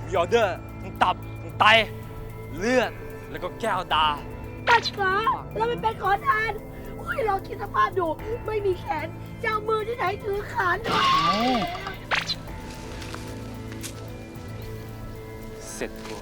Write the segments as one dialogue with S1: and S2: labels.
S1: มีออเดอร์ทั้งตับทั้งไตเลือดแล้วก็แก้วตา
S2: ปัสสาวะเราไม่เป็นขอทานอุ้ยเราคิดสภาพดูไม่มีแขนจะเอามือที่ไหนถือขาน
S1: เสร็จกู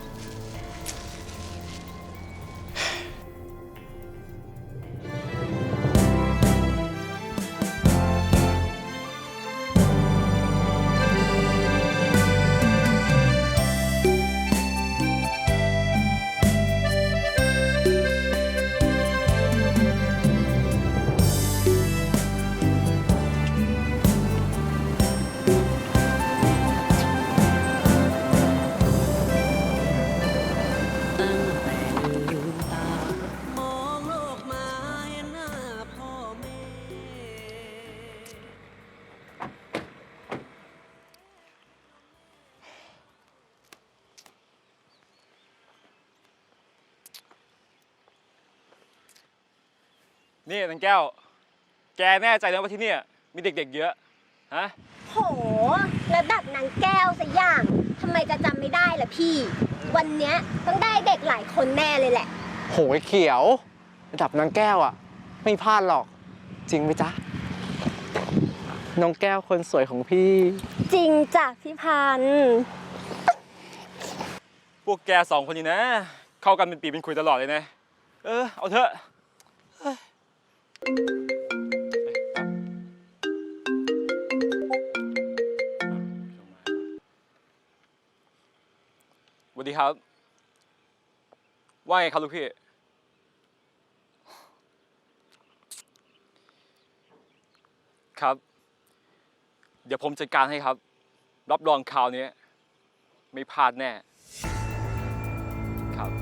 S1: นี่นางแก้วแกแน่ใจนะว่าที่นี่มีเด็กๆเยอะฮะ
S3: โหระดับนางแก้วสักอย่างทำไมจะจำไม่ได้ล่ะพี่วันเนี้ยต้องได้เด็กหลายคนแน่เลยแหละ
S4: โหยเขียวระดับนางแก้วอ่ะไม่พลาดหรอกจริงไหมจ๊ะน้องแก้วคนสวยของพี่
S3: จริงจ้ะพี่พันธุ์
S1: พวกแกสองคนนี้นะเข้ากันเป็นปีเป็นคุยตลอดเลยนะเอาเถอะสวัสดีครับว่าไงครับลูกพี่ครับเดี๋ยวผมจัดการให้ครับรับรองคราวนี้ไม่พลาดแน่ครับ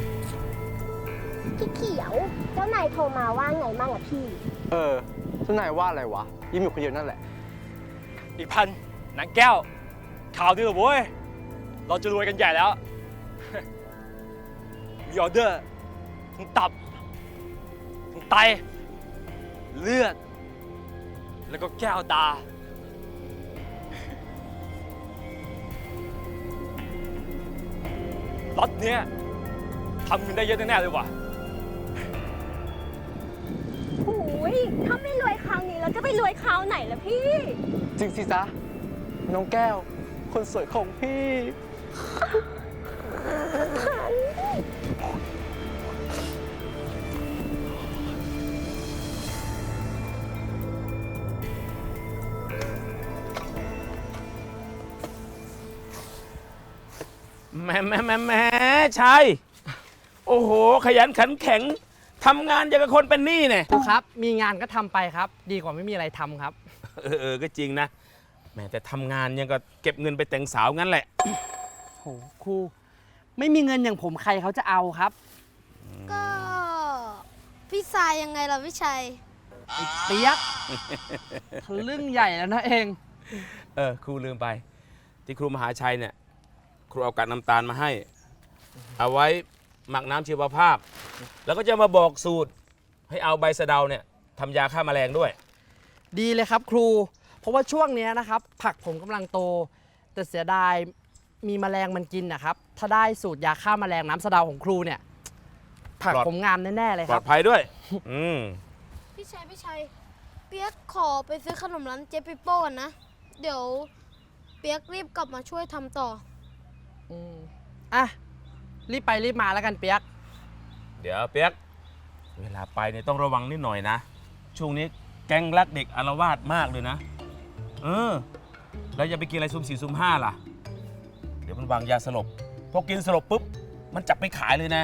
S3: พี่เขียวเจ้านายโทรมาว่าไงบ้างอะพี่
S4: เจ้านายว่าอะไรวะยิ้มอยู่คนเดียวนั่นแหละ
S1: อีพันนางแก้วข่าวดีเหรอโว้ยเราจะรวยกันใหญ่แล้วมีออเดอร์ทั้งตับทั้งไตเลือดแล้วก็แก้วตาล็อตเนี้ยทำเงินได้เยอะแน่ๆเลยว่ะ
S3: โอ้ยถ้าไม่รวยคราวนี้แล้วจะไปรวยคราวไหนล่ะพี่
S4: จริงสิจ๊ะน้องแก้วคนสวยของพี่
S5: แม่ชัยโอ้โหขยันขันแข็งทำงานอย่างกับคนเป็นหนี้เนี่ย
S6: ครูครับมีงานก็ทำไปครับดีกว่าไม่มีอะไรทำครับ
S5: ก็จริงนะแม่แต่ทำงานยังก็เก็บเงินไปแต่งสาวงั้นแหละ
S6: โหครูไม่มีเงินอย่างผมใครเขาจะเอาครับ
S7: ก็พี่ชายยังไงล่ะพี่ชัย
S6: ไอ้เปี๊ยกทะลึ่งใหญ่แล้วนะเอง
S5: ครูลืมไปที่ครูมหาชัยเนี่ยครูเอากากน้ำตาลมาให้เอาไว้หมักน้ำชีวภาพแล้วก็จะมาบอกสูตรให้เอาใบสะเดาเนี่ยทำยาฆ่าแมลงด้วย
S6: ดีเลยครับครูเพราะว่าช่วงนี้นะครับผักผมกำลังโตแต่เสียดายมีแมลงมันกินนะครับถ้าได้สูตรยาฆ่าแมลงน้ำสะเดาของครูเนี่ยผักผมงามแน่ๆเลยครับ
S5: ปลอดภัยด้วย
S7: พี่ชัยเปียกขอไปซื้อขนมร้านเจ๊ปิโป้ก่อนนะเดี๋ยวเปียกรีบกลับมาช่วยทำต่อ
S6: อ่ะรีบไปรีบมาแล้วกันเปียก
S5: เดี๋ยวเปียกเวลาไปเนี่ยต้องระวังนิดหน่อยนะช่วงนี้แก๊งรักเด็กอาละวาดมากเลยนะแล้วอย่าไปกินอะไรซุ่ม4ซุ่ม5ล่ะเดี๋ยวมันวางยาสลบพอกินสลบปุ๊บมันจับไปขายเลยนะ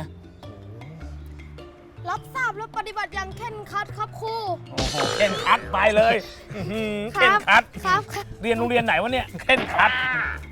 S7: รับทราบและปฏิบัติอย่างเคร่งครัดครับครู
S5: โอ้โหเคร่งครัดไปเลยเคร่งครัด
S7: ครับ
S5: เรียนโรงเรียนไหนวะเนี่ยเคร่งครัด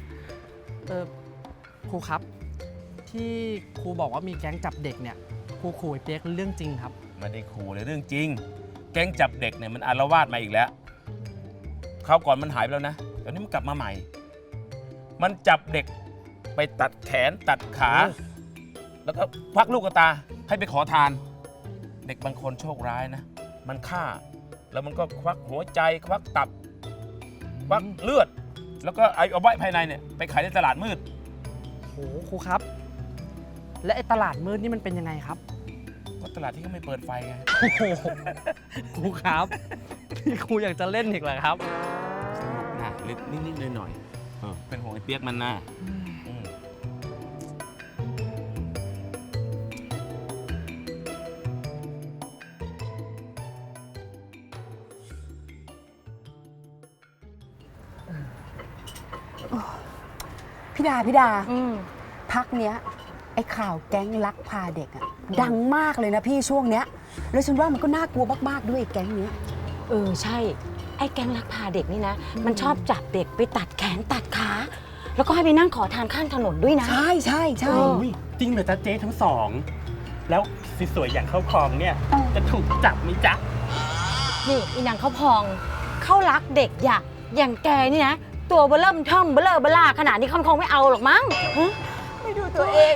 S6: ครูครับที่ครูบอกว่ามีแก๊งจับเด็กเนี่ยครูขู่ไอ้เปี๊ยกเรื่องจริงครับ
S5: ไม่ได้ขู่เลยเรื่องจริงแก๊งจับเด็กเนี่ยมันอาละวาดมาอีกแล้วคราวก่อนมันหายไปแล้วนะเดี๋ยวนี้มันกลับมาใหม่มันจับเด็กไปตัดแขนตัดขาแล้วก็ควักลูกตาให้ไปขอทานเด็กบางคนโชคร้ายนะมันฆ่าแล้วมันก็ควักหัวใจควักตับควักเลือดแล้วก็เอาไว้ภายในเนี่ยไปขายในตลาดมืด
S6: ครูครับ และไอ้ตลาดมืดนี่มันเป็นยังไงครับ
S5: ก็ตลาดที่เขาไม่เปิดไฟไง
S6: โอ้โหครูครับนี่ครูอยากจะเล่นอีกเหรอครับ
S5: สนุกนะเล็กนิดๆหน่อยๆเป็นห่วงไอ้เปียกมันนะอืม
S2: พี่ดาพักเนี้ยไอ้ข่าวแก๊งลักพาเด็กอะดังมากเลยนะพี่ช่วงเนี้ยแล้วฉันว่ามันก็น่ากลัวมากๆด้วยไอ้แก๊งเนี้ย
S8: ใช่ ไอ้แก๊งลักพาเด็กนี่นะ มันชอบจับเด็กไปตัดแขนตัดขา แล้วก็ให้ไปนั่งขอทานข้างถนนด้วยนะ
S2: ใช่ใช่ใช่
S9: จริงเหรอจ๊ะเจ๊ทั้งสอง แล้วสวยๆอย่างเข้าคลองเนี่ย จะถูกจับไหมจ๊ะ
S8: นี่อีนางเขาพอง เข้ารักเด็กอย่างแกนี่นะ ตัวเบลเริ่มเทิมเบลเลอร์เบล่าขนาดนี้เขาคงไม่เอาหรอกมั้งฮะ
S2: ไม่ดูตัวเอง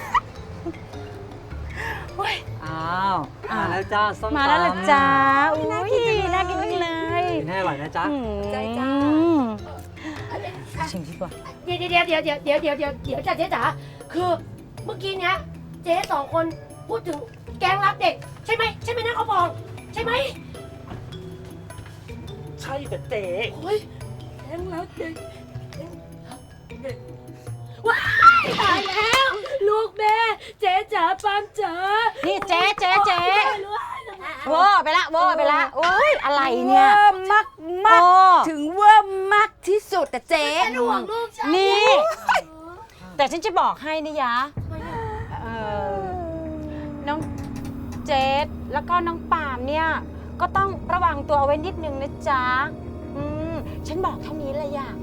S10: อ้าวมาแล้วจ้าส้มตำ
S8: มาแล้วล่ะจ้าอุ้ยน่ากินจังเลย
S10: กินให้อร่อยนะจ๊ะ
S8: ใจจ้าชิมดีกว่า
S2: เดี๋ยวจ้ะเจ๊จ๋าคือเมื่อกี้เนี้ยเจ๊สองคนพูดถึงแก๊งรักเด็ก ใช่ไหมนะเขาบอกใช่ไหม
S9: ใช่แต่เจ๊
S2: โอ้ยแก๊งรักเด็กว้ายตายแล้ว ลูกแม่เจ๊จ๋าปามจ๋า
S8: นี่เจ๊
S2: รู้
S8: โว้ไปละโอ้ยอะไรเนี่ย
S2: มากถึงว่ามากที่สุดแต่เจ๊
S8: เป็นห่วงลูกฉันนี่ แต่ฉันจะบอกให้นี่ยะน้องเจสแล้วก็น้องปาล์มเนี่ย ก็ต้องระวังตัวเอาไว้นิดนึงนะจ๊ะฉันบอกแค่นี้เลยอะ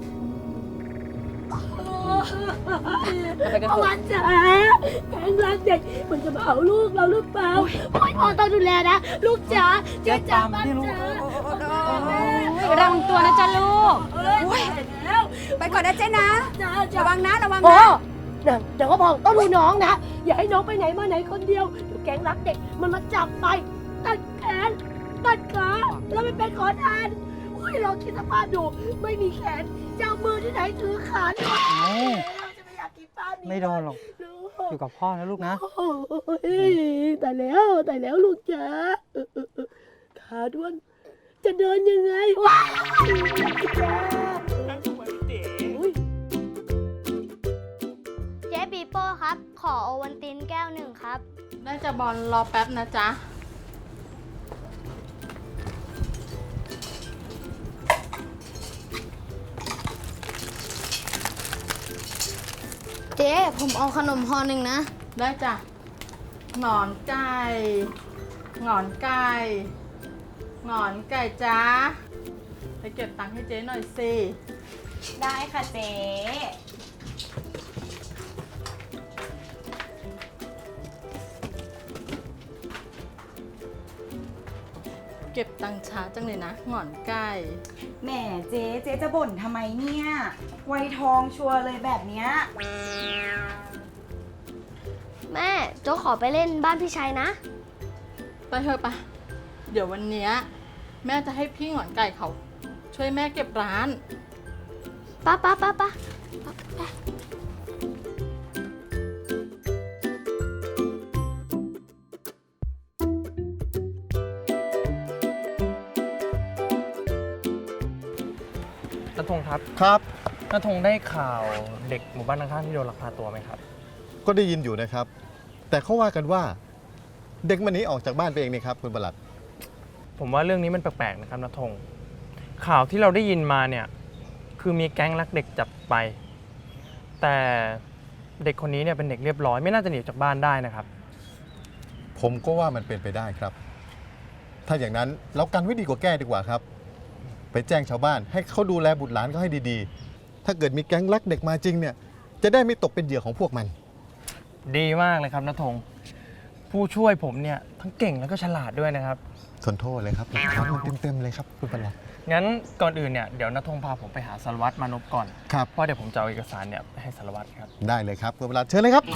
S2: เอาวันจ๋าแก๊งรักเด็กมันจะมาเอาลูกเราหรือเปล่าโอ้ยพ่อต้องดูแลนะ ลูกจ๋าเจ๊จ๋าบ้านจ๋า
S8: ระวังตัวนะจ๊ะลูก
S2: ไปก่อนนะเจ๊นะระวังนะ
S8: โอ้
S2: เดี๋ยวก็พองต้องดูน้องนะ อย่าให้น้องไปไหนมาไหนคนเดียวเดี๋ยวแก๊งรักเด็กมันมาจับไปตัดแขนตัดขาแล้วไม่เป็นขอทานอุ้ยลองคิดสภาพดูไม่มีแขนจะเอามือที่ไหนถือขาเนี่ยเราจะไม่อยากกินป้านี้
S10: ไม่โดนหรอก อยู่กับพ่อนะลูกนะ
S2: โอ้ยแต่แล้วลูกจ๋าขาด้วนจะเดินยังไงว้าวจ๋า
S7: เจ๊ปีโป้ครับ ขอโอวัลตินแก้วหนึ่งครับ
S11: ได้จะบอลรอแป๊บนะจ๊ะ
S7: เจ๊ผมเอาขนมห่อหนึ่งนะ
S11: ได้จ้ะหงอนไก่หงอนไก่หงอนไก่จ้าไปเก็บตังค์ให้เจ๊หน่อยสิ
S8: ได้ค่ะเจ๊
S11: เก็บตังค์ช้าจังเลยนะหงอนไก่
S12: แหมเจ๊จะบ่นทำไมเนี่ย ไวทองชัวร์เลยแบบเนี้ย
S7: แม่โจ๊กขอไปเล่นบ้านพี่ชัยนะ
S11: ไปเถอะปะเดี๋ยววันเนี้ยแม่จะให้พี่หงอนไก่เขา ช่วยแม่เก็บร้าน
S7: ป้า
S6: ณธงครับ
S13: ครับ
S6: ณธงได้ข่าวเด็กหมู่บ้านข้างๆที่โดนลักพาตัวไหมครับ
S13: ก็ได้ยินอยู่นะครับ แต่เขาว่ากันว่าเด็กมันหนีออกจากบ้านไปเองนี่ครับคุณประหลัด
S6: ผมว่าเรื่องนี้มันแปลกๆนะครับณธงข่าวที่เราได้ยินมาเนี่ยคือมีแก๊งลักเด็กจับไป แต่เด็กคนนี้เนี่ยเป็นเด็กเรียบร้อยไม่น่าจะหนีจากบ้านได้นะครับ
S13: ผมก็ว่ามันเป็นไปได้ครับ ถ้าอย่างนั้นเรากันไว้ดีกว่าแก้ดีกว่าครับ ไปแจ้งชาวบ้านให้เขาดูแลบุตรหลานเขาให้ดีๆ ถ้าเกิดมีแก๊งลักเด็กมาจริงเนี่ยจะได้ไม่ตกเป็นเหยื่อของพวกมัน
S6: ดีมากเลยครับณธงผู้ช่วยผมเนี่ยทั้งเก่งแล้วก็ฉลาดด้วยนะครับ
S13: ทนโทษเลยครับรับมันเต็มๆเลยครับคุณประหลัด
S6: งั้นก่อนอื่นเนี่ยเดี๋ยวณธงพาผมไปหาสารวัตรมานพก่อน
S13: ครับ
S6: เพราะเดี๋ยวผมจะเอาเอกสารเนี่ยไปให้สารวัตรครับ
S13: ได้เลยครับคุณประหลัดเชิญเลยครับ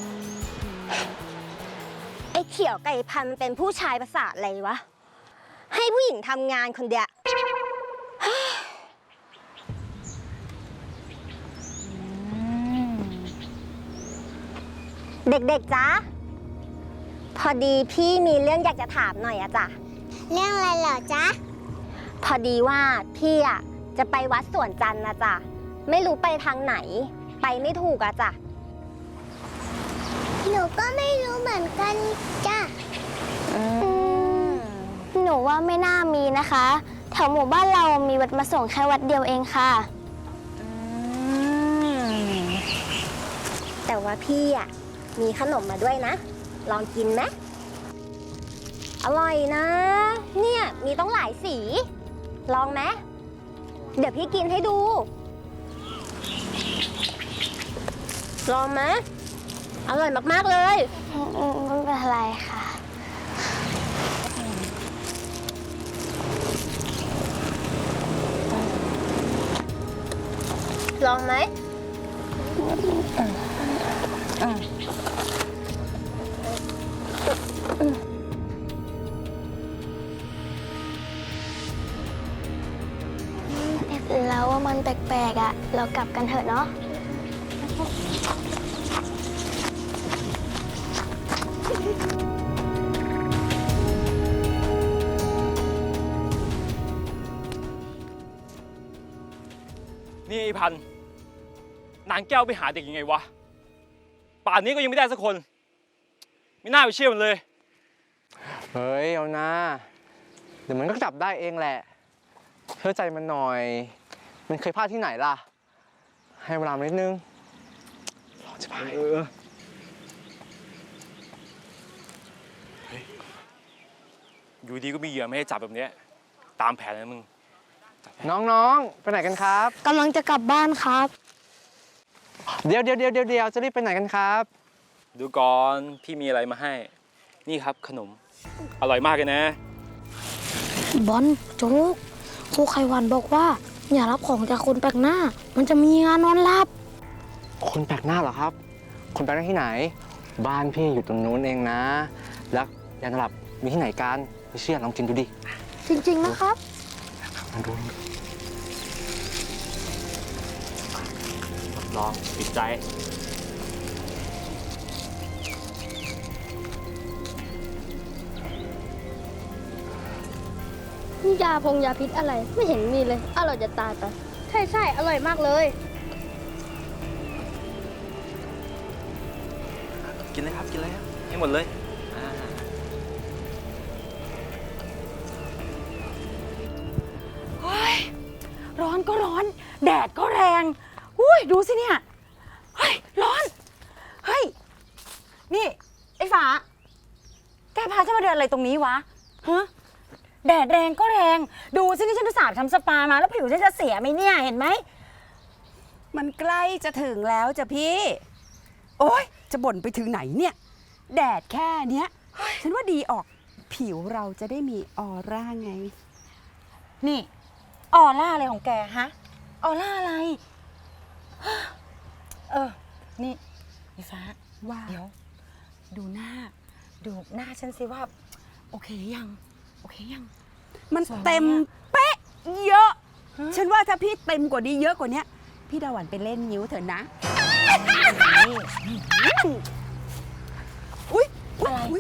S3: ไอ้เขียวไก่พันธุ์มันเป็นผู้ชายประสาทอะไรวะให้ผู้หญิงทำงานคนเดียว เด็กๆจ๊ะ พอดีพี่มีเรื่องอยากจะถามหน่อยอะจ๊ะ เรื่องอะไรเหรอจ๊ะ พอดีว่าพี่อะจะไปวัดสวนจันทร์นะจ๊ะ ไม่รู้ไปทางไหน ไปไม่ถูกอะจ๊ะ หนูก็ไม่รู้เหมือนกันจ้ะหนูว่าไม่น่ามีนะคะ แถวหมู่บ้านเรามีวัดมาส่งแค่วัดเดียวเองค่ะ แต่ว่าพี่อะมีขนมมาด้วยนะ ลองกินไหมอร่อยนะ เนี่ยมีต้องหลายสี ลองไหมเดี๋ยวพี่กินให้ดู ลองไหมอร่อยมากๆเลยไม่เป็นไรค่ะ ลองไหมแล้วว่ามันแปลกๆอ่ะ เรากลับกันเถอะเนาะ
S1: นี่ไอ้พันธุ์นางแก้วไปหาเด็กยังไงวะ ป่านนี้ก็ยังไม่ได้สักคน ไม่น่าไปเชื่อมันเลย
S4: เฮ้ย เอานะเดี๋ยวมันก็จับได้เองแหละเชื่อใจมันหน่อย มันเคยพลาดที่ไหนล่ะ ให้เวลามันนิดนึงรอจะไป
S1: อยู่ดีก็มีเหยื่อไม่ให้จับแบบเนี้ยตามแผนนะมึง
S4: น้องๆ ไปไหนกันครับ
S7: กำลังจะกลับบ้านครับ
S4: เดี๋ยวจะรีบไปไหนกันครับ
S1: ดูก่อนพี่มีอะไรมาให้ นี่ครับขนม อร่อยมากเลยนะ
S7: บอลโจ๊กครูไขวันบอกว่า อย่ารับของจากคนแปลกหน้า มันจะมีงานนอนหลับ
S4: คนแปลกหน้าเหรอครับ คนแปลกหน้าที่ไหน บ้านพี่อยู่ตรงนู้นเองนะ แล้วยานอนหลับมีที่ไหนกันไม่เชื่อลองกินดูดิ
S7: จริงๆนะครับ
S4: มาดู
S1: ลองติดใจ
S7: นี่ยาพงยาพิษอะไรไม่เห็นมีเลย อร่อยจะตายไปใช่อร่อยมากเลย
S1: กินเลยครับกินเลยครับให้หมดเลยอ่า
S8: เฮ้ยร้อนก็ร้อน แดดก็แรงอุ้ยดูสิเนี่ยเฮ้ยร้อนเฮ้ยนี่ไอ้ฟ้าแกพาฉันมาเดินอะไรตรงนี้วะฮะแดดแรงก็แรงดูสินี่ฉันอุตส่าห์ทำสปามาแล้วผิวฉันจะเสียไหมเนี่ยเห็นไหม
S12: มันใกล้จะถึงแล้วจ้ะพี่ โอ๊ย จะบ่นไปถึงไหนเนี่ย แดดแค่เนี้ย ฉันว่าดีออก ผิวเราจะได้มีออร่าไง
S8: นี่ออร่าอะไรของแกฮะออร่าอะไรนี่ไอ้ฟ้า
S12: ว่า
S8: เดี๋ยวดูหน้าฉันสิว่าโอเคยังโอเคยัง
S12: มัน
S8: สวยไหม
S12: เต็ม
S8: อะ
S12: เป๊ะเยอะ ฉันว่าถ้าพี่เต็มกว่านี้เยอะกว่านี้พี่ดาหวันไปเล่นนิ้วเถอะนะ อุ๊ย
S8: อะไร
S12: อุ๊ย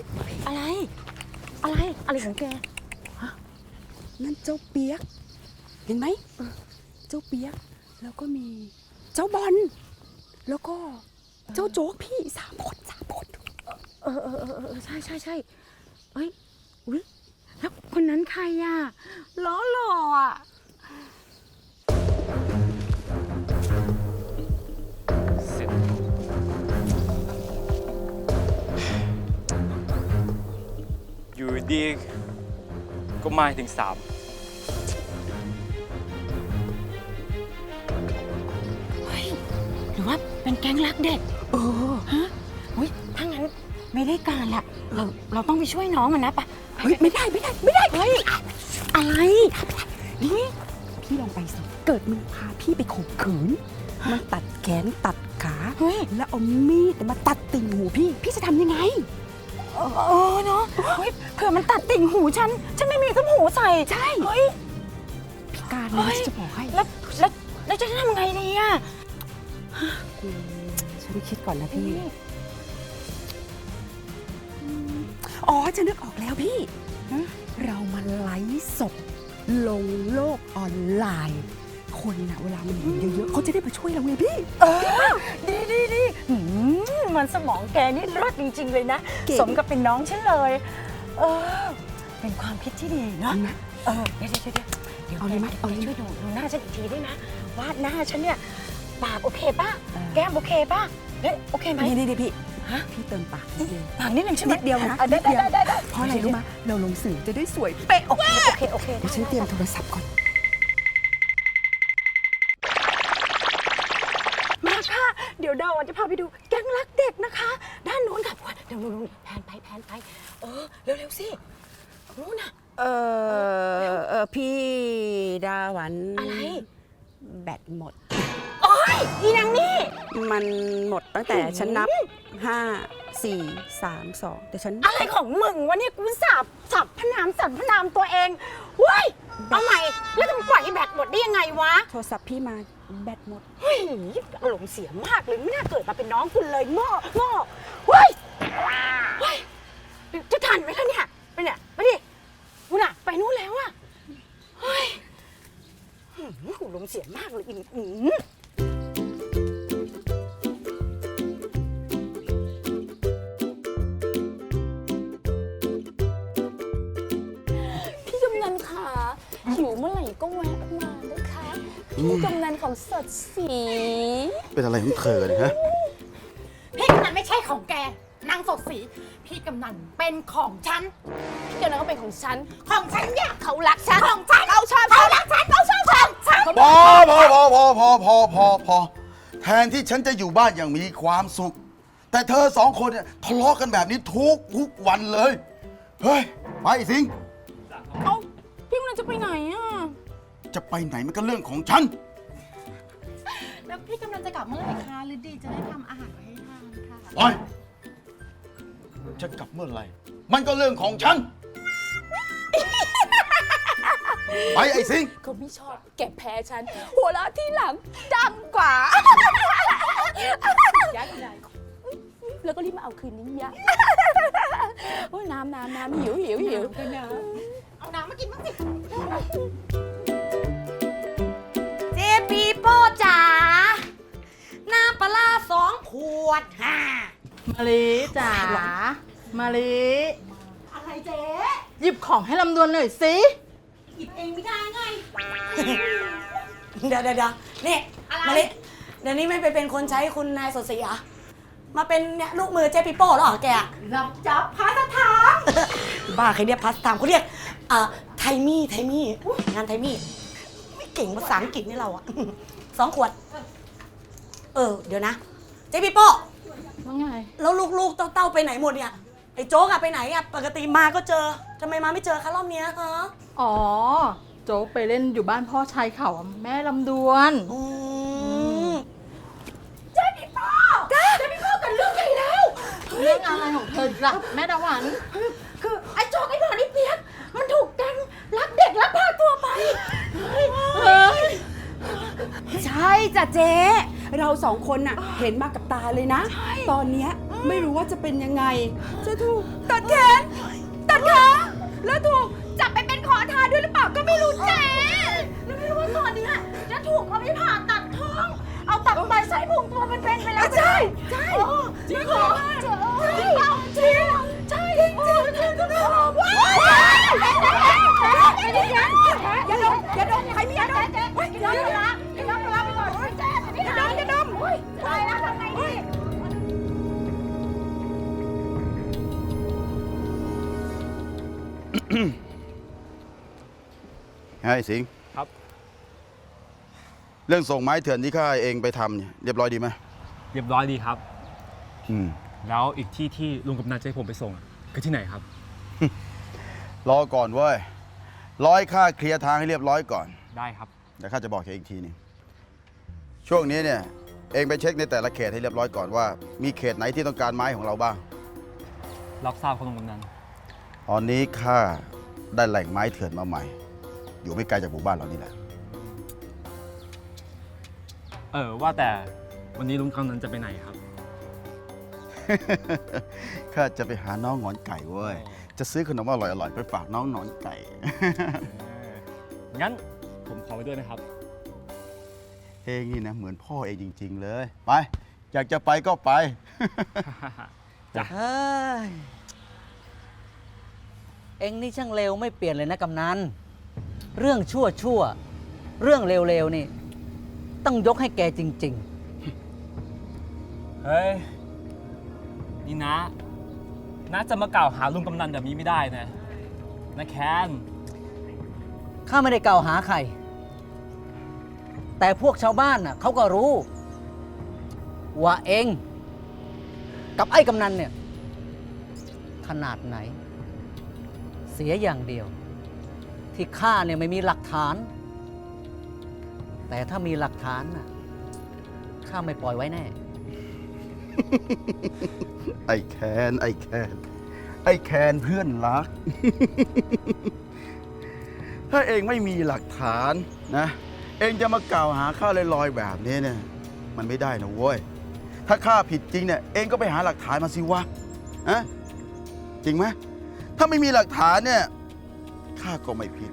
S8: อะไรของแก
S12: นั่นเจ้าเปียก เห็นไหม เจ้าเปียก แล้วก็มีเจ้าบอล แล้วก็เจ้าโจ๊กพี่สามคน
S8: ใช่เอ้ยอุ๊ยแล้วคนนั้นใครอ่ะหล่ออ่ะ
S1: เสร็จอยู่ดีก็มาถึง3
S8: หรือว่าเป็นแก๊งรักเด็กฮะอุ๊ยถ้างั้นไม่ได้การละเราต้องไปช่วยน้องมันนะปะ
S12: เฮ้ย ไม่ได้
S8: เฮ้ยอะไรนี่
S12: พี่ลองไปสิ เกิดมันพาพี่ไปข่มขืน มันตัดแขนตัดขา
S8: เฮ้ย
S12: แล้วเอามีดมาตัดติ่งหูพี่ พี่จะทำยังไง
S8: เนาะเฮ้ยเผื่อมันตัดติ่งหูฉันไม่มีต้มหูใส่ใช่เฮ้ย
S12: พิการนะจะบอกให้
S8: แล้วจะทำไงดีอ่ะ
S12: ฉันคิดก่อนนะพี่ อ๋อจะนึกออกแล้วพี่ เรามาไลฟ์สดลงโลกออนไลน์ คนน่ะเวลามันเห็นเยอะๆเขาจะได้มาช่วยเราไงพี่
S8: ดีมันสมองแกนี่รอดจริง ๆ เลยนะ
S12: เก่ง
S8: สมกับเป็นน้องฉันเลยเป็นความคิดที่ดีเนาะเดี๋ยว
S12: เอาเลยไหม
S8: เอาเลยช่วยดูหน้าฉันอีกทีได้นะว่าหน้าฉันเนี่ยปากโอเคป่ะแก้มโอเคป่ะเนี่ยโอเคไหม
S12: นี่พี่พี่เติมปากนิดเดียว
S8: ปากนิดนึงใช่ไหม
S12: นิดเดียวนะ
S8: ได้
S12: เพราะอะไรรู้ไหมเราลงสื่อจะได้สวยเป๊ะ
S8: โอเค
S12: เดี๋ยวฉันเตรียมโทรศัพท์ก่อน
S8: มาค่ะ เดี๋ยวดาวจะพาไปดูแก๊งรักเด็กนะคะ ด้านโน้นค่ะเดี๋ยวนู้นแพนไปเร็วๆสินู้นน่ะ
S12: พี่ดาหวัน
S8: อะไร
S12: แบตหมด
S8: โอ้ยอีนางนี่
S12: มันหมดตั้งแต่ฉันนับ 5 4 3 2แต่ฉัน
S8: อะไรของมึงวะเนี่ยกูสับพนามตัวเองเว้ยเอาใหม่แล้วจะปล่อยให้แบตหมดได้ยังไงวะ
S12: โทรศัพท์พี่มาแบตหมด
S8: เฮ้ยอารมณ์เสียมากเลยไม่น่าเกิดมาเป็นน้องคุณเลยโง่เว้ยจะทันไหมล่ะเนี่ยไปดิกูน่ะไปนู่นแล้วอะเฮ้ยอารมณ์เสียมากเลย
S7: พี่กำนันขาหิวเมื่อไหร่ก็แวะมานะคะพี่กำนันของสดสี
S14: เป็นอะไรของเธอเนี่ยฮะ
S2: พี่กำนันไม่ใช่ของแกนางสดสีพี่กำนันเป็นของฉัน
S7: พี่กำนันก็เป็นของฉัน
S2: ของฉันเนี่ย
S7: เขารักฉัน
S2: ของฉัน
S7: เขาชอบ
S2: เขารักฉันเขาชอบฉัน
S14: พอแทนที่ฉันจะอยู่บ้านอย่างมีความสุข แต่เธอสองคนเนี่ยทะเลาะกันแบบนี้ทุกวันเลย เฮ้ย ไปสิง
S7: เอ้าพี่กำนันจะไปไหนอ่ะ
S14: จะไปไหนมันก็เรื่องของฉัน
S2: แล้วพี่กำนันจะกลับเมื่อไหร่คะหรือดีจะได้ทำอาหารไว้ให้ทานค่ะ
S14: ไป จะกลับเมื่อไหร่ มันก็เรื่องของฉัน ไปไอ้สิง
S7: เขาไม่ชอบแกแพ้ฉัน หัวเราะที่หลังดังกว่ายักษ์ใหญ่แล้วก็รีบมาเอาคืนนี้ยะโอ้ยน้ำหิว
S2: เอาน้ำมากินบ้างสิ
S8: เจปีโป้จ๋าน้ำปลา2 ขวด
S11: มะลิจ๋า มาลิ
S2: อะไรเจ๊
S11: หยิบของให้ลำดวนหน่อยสิ
S2: หยิบเองไม่ได้ไง
S8: เดี๋ยวนี่มาลิเดี๋ยวนี้ไม่ไปเป็นคนใช้คุณนายสดศรีเหรอมาเป็นเนี่ยลูกมือเจ๊ปีโป้แล้วเหรอแก
S2: รับจับพาสถาน
S8: บ้าใครเรียกพาสตามเขาเรียกไทมี่งานไทมี่ไม่เก่งภาษาอังกฤษนี่เราอะ 2 ขวดเดี๋ยวนะเจ๊ปีโป้
S11: ว่าไง
S8: แล้วลูกๆเต้าไปไหนหมดเนี่ยไอ้โจ๊กอะไปไหนอะปกติมาก็เจอทำไมมาไม่เจอคะรอบเนี้ยฮะ
S11: อ๋อ โจ๊กไปเล่นอยู่บ้านพ่อชายเขาอะแม่ลำดวน
S2: เจ๊พี่ป้อกันเรื่องใหญ่แล้ว
S11: เรื่องอะไรของเธอล่ะแม่ดาหวัน
S2: คือไอ้โจ๊กไอ้บอลไอ้เปียกมันถูกแก๊งรักเด็กลักพาตัวไป
S12: ใช่จ้ะเจ๊เรา2 คนน่ะเห็นมากับตาเลยนะ ตอนเนี้ยไม่รู้ว่าจะเป็นยังไง จะถูกตัดแขนตัดขาแล้วถูกจับไปเป็นขอทานด้วยหรือเปล่าก็ไม่รู้เจ๊
S2: แล้วไม่รู้ว่าตอนเนี้ยจะถูกเขาไม่ผ่าตัดท้อง เอาตับไตใส่พุงตัวเป็นไปแล้ว
S12: ใช่
S2: จริงเหรอจริงใช่ว้ายอย่าดมใครมีอย่าดมอย่าดมไปก่อนอย่าดมตายแล้วทำไงดี
S14: ไอ้สิง
S1: ครับ
S14: เรื่องส่งไม้เถื่อนที่ข้าเองไปทำเนี่ยเรียบร้อยดีไหม
S1: เรียบร้อยดีครับ
S14: อืม
S1: แล้วอีกที่ลุงกับนาจะให้ผมไปส่งอะคือที่ไหนครับ
S14: รอก่อนเว้ยร้อยข้าเคลียร์ทางให้เรียบร้อยก่อน
S1: ได้ครับ
S14: เดี๋ยวข้าจะบอกแกอีกทีหนึงช่วงนี้เนี่ย เองไปเช็คในแต่ละเขตให้เรียบร้อยก่อนว่า มีเขตไหนที่ต้องการไม้ของเราบ้าง
S1: รับทราบครับลุงกำนัน
S14: ตอนนี้ข้าได้แหล่งไม้เถื่อนมาใหม่ อยู่ไม่ไกลจากหมู่บ้านเรานี่แหละ
S1: ว่าแต่วันนี้ลุงกำนันจะไปไหนครับ
S14: ข้าจะไปหาน้องหงอนไก่เว้ย จะซื้อขนมอร่อยๆไปฝากน้องหงอนไก่
S1: งั้นผมขอไปด้วยนะครับ
S14: เองนี่นะเหมือนพ่อเองจริง ๆ เลย ไป อยากจะไปก็ไป
S10: เฮ้ย เอ็งนี่ช่างเร็วไม่เปลี่ยนเลยนะกำนัน เรื่องชั่วเรื่องเร็วๆนี่ ต้องยกให้แกจริง
S1: เฮ้ย นี่นะจะมากล่าวหาลุงกำนันแบบนี้ไม่ได้นะแคน
S10: ๆ ข้าไม่ได้กล่าวหาใคร แต่พวกชาวบ้านน่ะเขาก็รู้ ว่าเองกับไอ้กำนันเนี่ย ขนาดไหน เสียอย่างเดียว ที่ข้าเนี่ยไม่มีหลักฐาน แต่ถ้ามีหลักฐานน่ะข้าไม่ปล่อยไว้แน่
S14: ไอ้แคนเพื่อนรัก ถ้าเองไม่มีหลักฐานนะ เองจะมากล่าวหาข้าลอยๆแบบนี้เนี่ย มันไม่ได้นะเว้ย ถ้าข้าผิดจริงเนี่ย เองก็ไปหาหลักฐานมาสิวะอะจริงไหม ถ้าไม่มีหลักฐานเนี่ย ข้าก็ไม่ผิด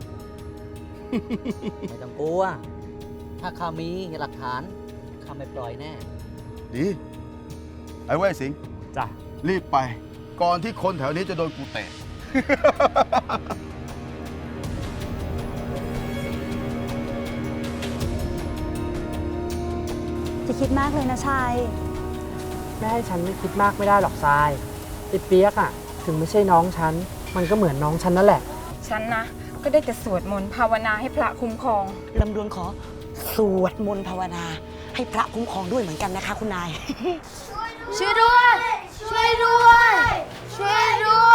S10: ไม่ต้องกลัว ถ้าข้ามีหลักฐานข้าไม่ปล่อยแน่
S14: ดี ไอ้เว้ยสิงห์
S1: จ้ะ
S14: รีบไป ก่อนที่คนแถวนี้จะโดนกูเตะ
S8: จะคิดมากเลยนะชาย
S6: แม่ให้ฉันไม่คิดมากไม่ได้หรอกทรายไอ้เปียกอะถึงไม่ใช่น้องฉัน มันก็เหมือนน้องฉันนั่นแหละ
S15: ฉันนะ ก็ได้แต่สวดมนต์ภาวนาให้พระคุ้มครอง
S2: ลำดวนขอสวดมนต์ภาวนา ให้พระคุ้มครองด้วยเหมือนกันนะคะคุณนาย
S7: ช่วยด้วย ช่วยด้วย ช่วยด้วย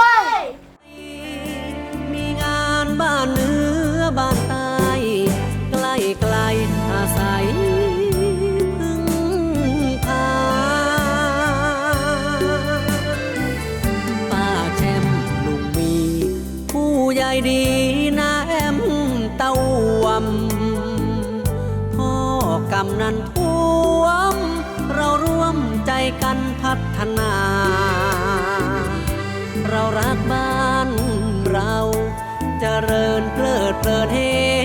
S10: มีงานบ้านเหนือบ้านใต้ใกล้ไกลอาศัยพึ่งพาป้าแช่มลุงมีผู้ใหญ่ดีนะแอมเต้าวำพ่อกำนันท่วมเราร่วมใจกันพัฒนา เรารักบ้านเราเจริญเพลิดเพลินเฮ